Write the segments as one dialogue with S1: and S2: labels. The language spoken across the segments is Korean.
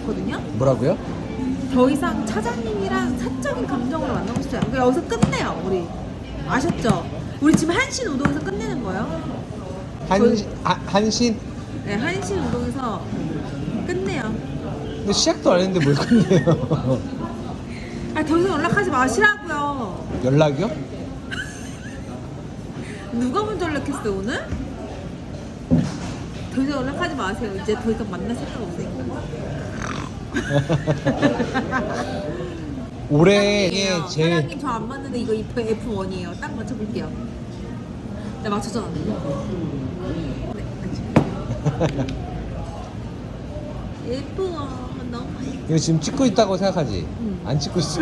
S1: 않거든요.
S2: 뭐라고요?
S1: 더 이상 차장님이랑 사적인 감정으로 만나고 싶지 않고 여기서 끝내요. 우리 아셨죠? 우리 지금 한신 우동에서 끝내는 거예요.
S2: 한신?
S1: 네, 한신 우동에서 끝내요.
S2: 근데 시작도 안 했는데 뭘 끝내요?
S1: 아, 더 이상 연락하지 마시라고요.
S2: 연락이요?
S1: 누가 먼저 연락했어 오늘? 더 이상 연락하지 마세요. 이제 더 이상 만날 생각 없으니까.
S2: 올해의
S1: 사장님이에요.
S2: 제일
S1: 사장님 저 안 맞는데 이거 F1이에요. 딱 맞춰볼게요. 네, 맞췄잖아. 네, 맞춰. F1 너무 맛있어.
S2: 이거 지금 찍고 있다고 생각하지?
S1: 응.
S2: 안 찍고 있어.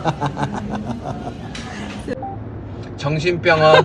S2: 정신병원.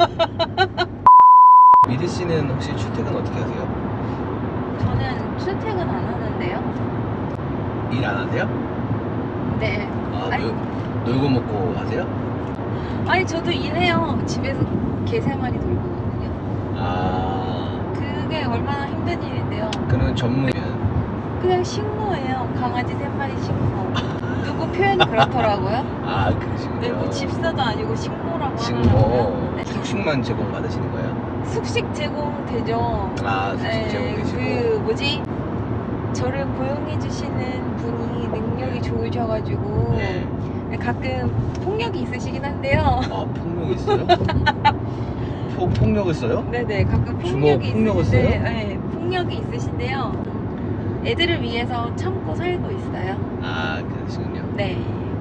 S2: 미리 씨는 혹시 출퇴근 어떻게 하세요?
S3: 저는 출퇴근 안 하는데요.
S2: 일 안 하세요?
S3: 네.
S2: 아,
S3: 아니,
S2: 놀고 먹고 하세요?
S3: 아니 저도 일해요. 집에서 개 3마리 돌보거든요.
S2: 아,
S3: 그게 얼마나 힘든 일인데요.
S2: 그러면 전문이면
S3: 그냥 식모예요. 강아지 3마리 식모. 누구 표현이 그렇더라고요.
S2: 아, 그러시군요.
S3: 네, 뭐 집사도 아니고 식모라고
S2: 식모
S3: 하더라고요. 네.
S2: 숙식만 제공 받으시는 거예요?
S3: 숙식 제공되죠.
S2: 아, 숙식 제공되시고.
S3: 그 뭐지? 저를 고용해 주시는 분이 능력이 좋으셔가지고
S2: 네.
S3: 가끔 폭력이 있으시긴 한데요.
S2: 아, 폭력 있어요? 폭력을 써요?
S3: 네네, 가끔
S2: 주먹
S3: 폭력이
S2: 폭력을
S3: 있으신데,
S2: 써요?
S3: 네, 폭력이 있으신데요. 애들을 위해서 참고 살고 있어요.
S2: 아, 그러시군요.
S3: 네.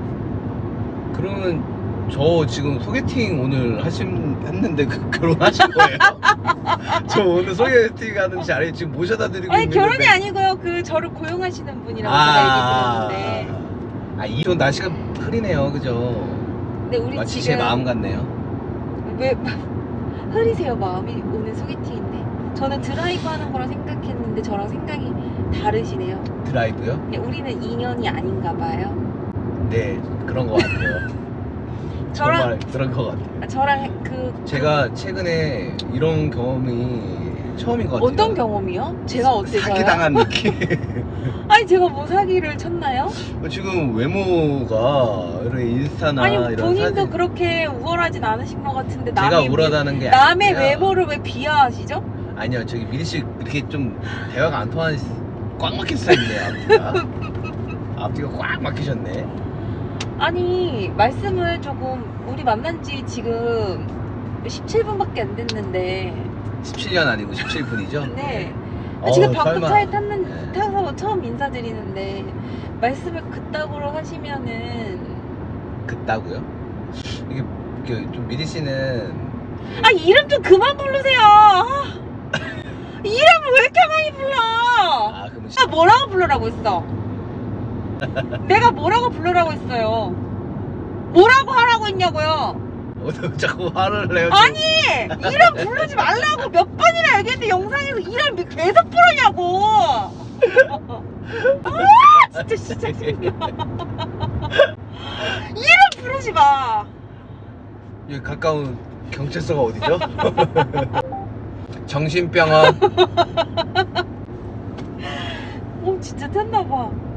S2: 그러면 저 지금 소개팅 오늘 했는데 결혼하신 거예요? 저 오늘 소개팅 하는 자리에 지금 모셔다 드리고
S3: 아니
S2: 있는데
S3: 결혼이 아니고요. 그 저를 고용하시는 분이라고 제가 얘기 들었는데.
S2: 이런 날씨가 흐리네요, 그죠?
S3: 근데 우리
S2: 마치
S3: 지금
S2: 제 마음 같네요.
S3: 왜 흐리세요 마음이? 오늘 소개팅인데. 저는 드라이브 하는 거라 생각했는데 저랑 생각이 다르시네요.
S2: 드라이브요?
S3: 우리는 인연이 아닌가 봐요.
S2: 네, 그런 것 같아요. 정말 그런 것 같아요.
S3: 저랑
S2: 제가 최근에 이런 경험이 처음인 것 같아요.
S3: 어떤 경험이요? 제가 어때서요?
S2: 사기당한 느낌.
S3: 아니 제가 뭐 사기를 쳤나요?
S2: 지금 외모가 이런 인스타나
S3: 아니
S2: 이런
S3: 본인도
S2: 사진
S3: 그렇게 우월하진 않으신 것 같은데
S2: 제가
S3: 남의
S2: 우월하다는 게
S3: 남의
S2: 아니라
S3: 외모를 왜 비하하시죠?
S2: 아니요, 저기 미리 씨 이렇게 좀 대화가 안 통하는 꽉 막힌 스타일이네요. 앞뒤가 앞뒤가 꽉 막히셨네.
S3: 아니 말씀을 조금 우리 만난 지 지금 17분밖에 안 됐는데
S2: 17년 아니고 17분이죠?
S3: 네. 지금 방금
S2: 설마.
S3: 차에
S2: 네.
S3: 타서 처음 인사드리는데 말씀을 그따구로 하시면은
S2: 그따고요? 이게 좀 미리 씨는
S3: 아 이름 좀 그만 부르세요. 아, 이름을 왜 이렇게 많이 불러?
S2: 그러면
S3: 아 뭐라고 부르라고 했어? 내가 뭐라고 부르라고 했어요? 뭐라고 하라고 했냐고요?
S2: 자꾸 화를 내요.
S3: 아니 이름 부르지 말라고 몇 번이나 얘기했는데 영상에서 이름 계속 부르냐고. 아 진짜 짜증나. 이름 부르지 마.
S2: 여기 가까운 경찰서가 어디죠? 정신병원.
S3: 진짜 탔나봐.